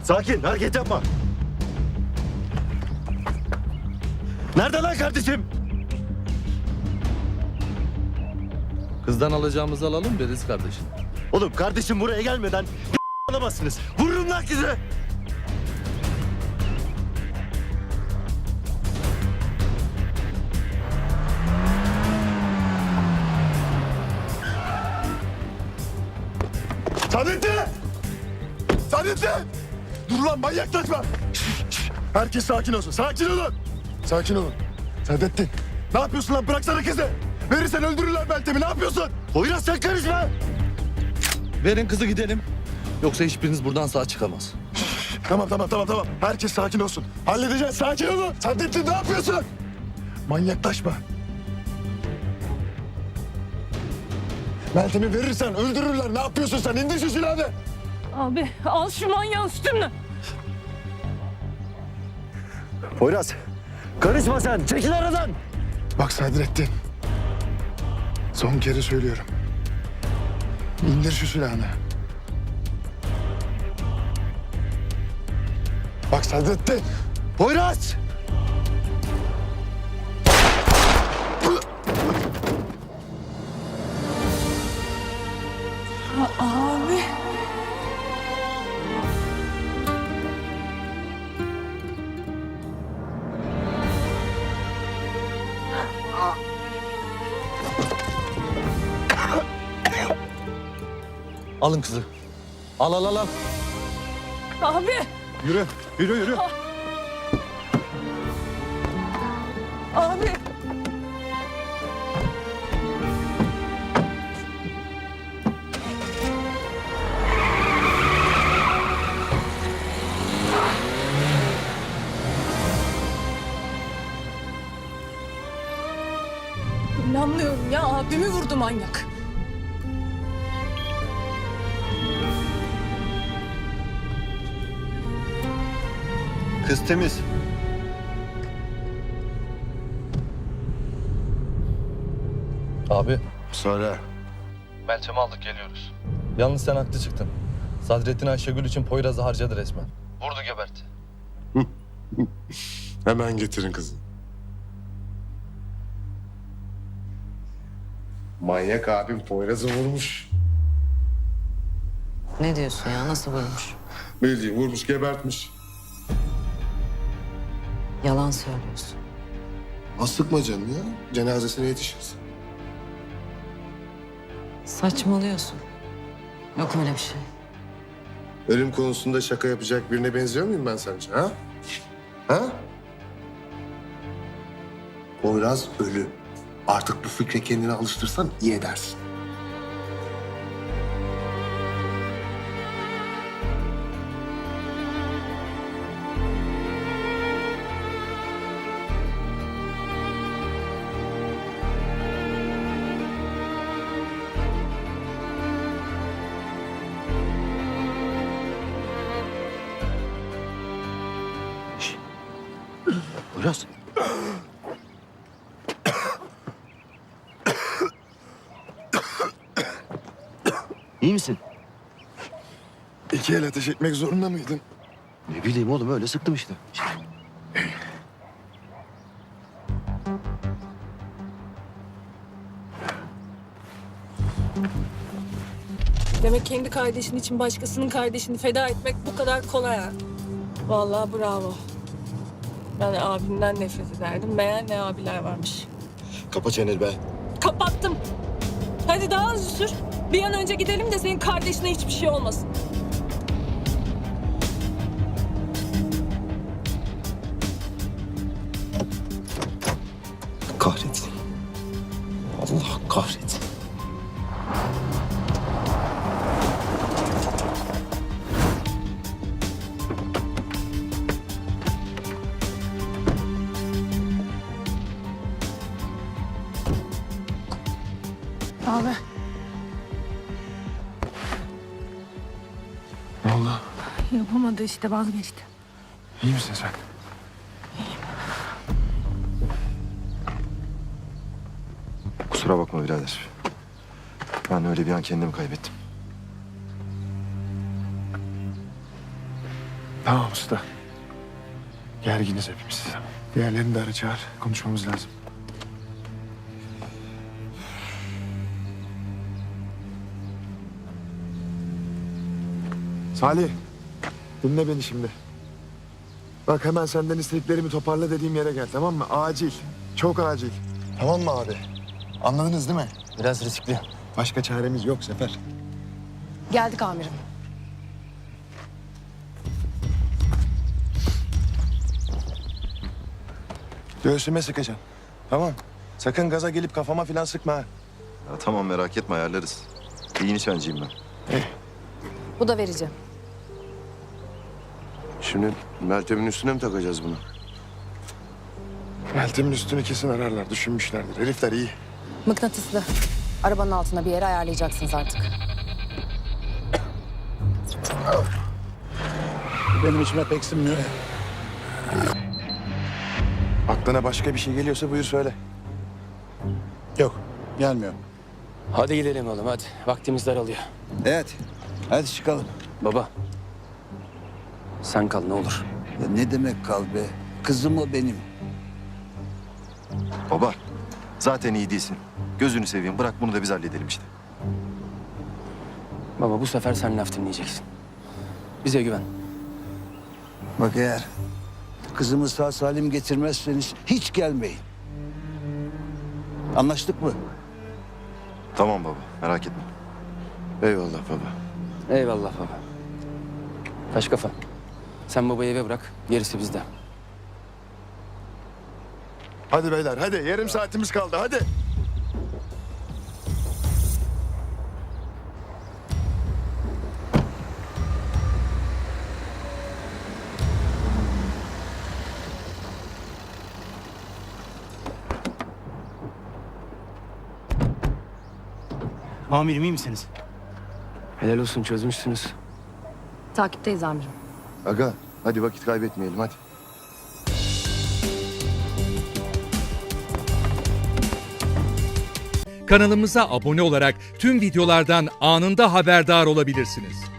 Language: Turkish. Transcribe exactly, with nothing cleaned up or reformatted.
Sakin, hareket yapma. Nerede lan kardeşim? Kızdan alacağımızı alalım deriz kardeşim. Oğlum kardeşim buraya gelmeden alamazsınız. Vururum lan kızı. Saadettin! Saadettin! Dur lan manyaklaşma! Şş, şş. Herkes sakin olsun, sakin olun! Sakin olun. Saadettin, ne yapıyorsun lan? Bıraksana kızı! Verirsen öldürürler Meltem'i, ne yapıyorsun? Poyraz sen karışma. Verin kızı gidelim. Yoksa hiçbiriniz buradan sağ çıkamaz. Tamam, tamam, tamam, tamam. Herkes sakin olsun. Halledeceğiz, sakin olun! Saadettin ne yapıyorsun? Manyaklaşma. Meltem'i verirsen öldürürler. Ne yapıyorsun sen? İndir şu silahını. Abi al şu manyağın üstümden. Poyraz, karışma sen. Çekil aradan. Bak Sadrettin. Son kere söylüyorum. İndir şu silahını. Bak Sadrettin. Poyraz! Abi. Alın kızı. Al al al al. Abi. Yürü, yürü, yürü. Abi. İnanmıyorum ya, abimi vurdu manyak. Kız temiz. Abi. Söyle. Meltem'i aldık geliyoruz. Yalnız sen haklı çıktın. Sadrettin Ayşegül için Poyraz'ı harcadı resmen. Vurdu geberti. Hemen getirin kızı. Manyak abim Poyraz'ı vurmuş. Ne diyorsun ya? Nasıl vurmuş? Bildiğin vurmuş, gebertmiş. Yalan söylüyorsun. Az sıkma canım ya. Cenazesine yetişiriz. Saçmalıyorsun. Yok öyle bir şey. Ölüm konusunda şaka yapacak birine benziyor muyum ben sence ha? Ha? Poyraz ölü. Artık bu fikre kendini alıştırsan iyi edersin. Poyraz. İyi misin? İki el ateş etmek zorunda mıydın? Ne bileyim oğlum öyle sıktım işte. Demek kendi kardeşin için başkasının kardeşini feda etmek bu kadar kolay ha. Vallahi bravo. Ben abimden nefret ederdim. Meğer ne abiler varmış. Kapa çeneni be. Kapattım. Hadi daha hızlı sür. Bir an önce gidelim de senin kardeşine hiçbir şey olmasın. Kahretsin. Allah kahretsin. Abi. Ne oldu? Yapamadı işte, vazgeçti. İyi misin sen? Kusura bakma birader. Ben öyle bir an kendimi kaybettim. Tamam usta. Gerginiz hepimiz. Diğerlerini de ara çağır. Konuşmamız lazım. Salih. Dinle beni şimdi. Bak hemen senden istediklerimi toparla dediğim yere gel, tamam mı? Acil. Çok acil. Tamam mı abi? Anladınız değil mi? Biraz riskli. Başka çaremiz yok Sefer. Geldik amirim. Göğsüme sıkacaksın. Tamam. Sakın gaza gelip kafama falan sıkma ha. Ya tamam merak etme ayarlarız. İyi nişancıyım ben. Bu da verici. Şimdi Meltem'in üstüne mi takacağız bunu? Meltem'in üstünü kesin ararlar. Düşünmüşlerdir. Herifler iyi. Mıknatıslı. Arabanın altına bir yere ayarlayacaksınız artık. Benim içime pek sinmiyor. Aklına başka bir şey geliyorsa buyur söyle. Yok, gelmiyor. Hadi gidelim oğlum hadi. Vaktimiz daralıyor. Evet. Hadi çıkalım. Baba. Sen kal ne olur. Ya ne demek kal be? Kızım o benim. Baba zaten iyi değilsin. Gözünü seveyim bırak bunu da biz halledelim işte. Baba bu sefer sen laf dinleyeceksin. Bize güven. Bak eğer kızımı sağ salim getirmezseniz hiç gelmeyin. Anlaştık mı? Tamam baba merak etme. Eyvallah baba. Eyvallah baba. Taş kafa. Sen babayı eve bırak. Gerisi bizde. Hadi beyler hadi. Yarım saatimiz kaldı hadi. Amirim iyi misiniz? Helal olsun çözmüşsünüz. Takipteyiz amirim. Aga hadi vakit kaybetmeyelim hadi. Kanalımıza abone olarak tüm videolardan anında haberdar olabilirsiniz.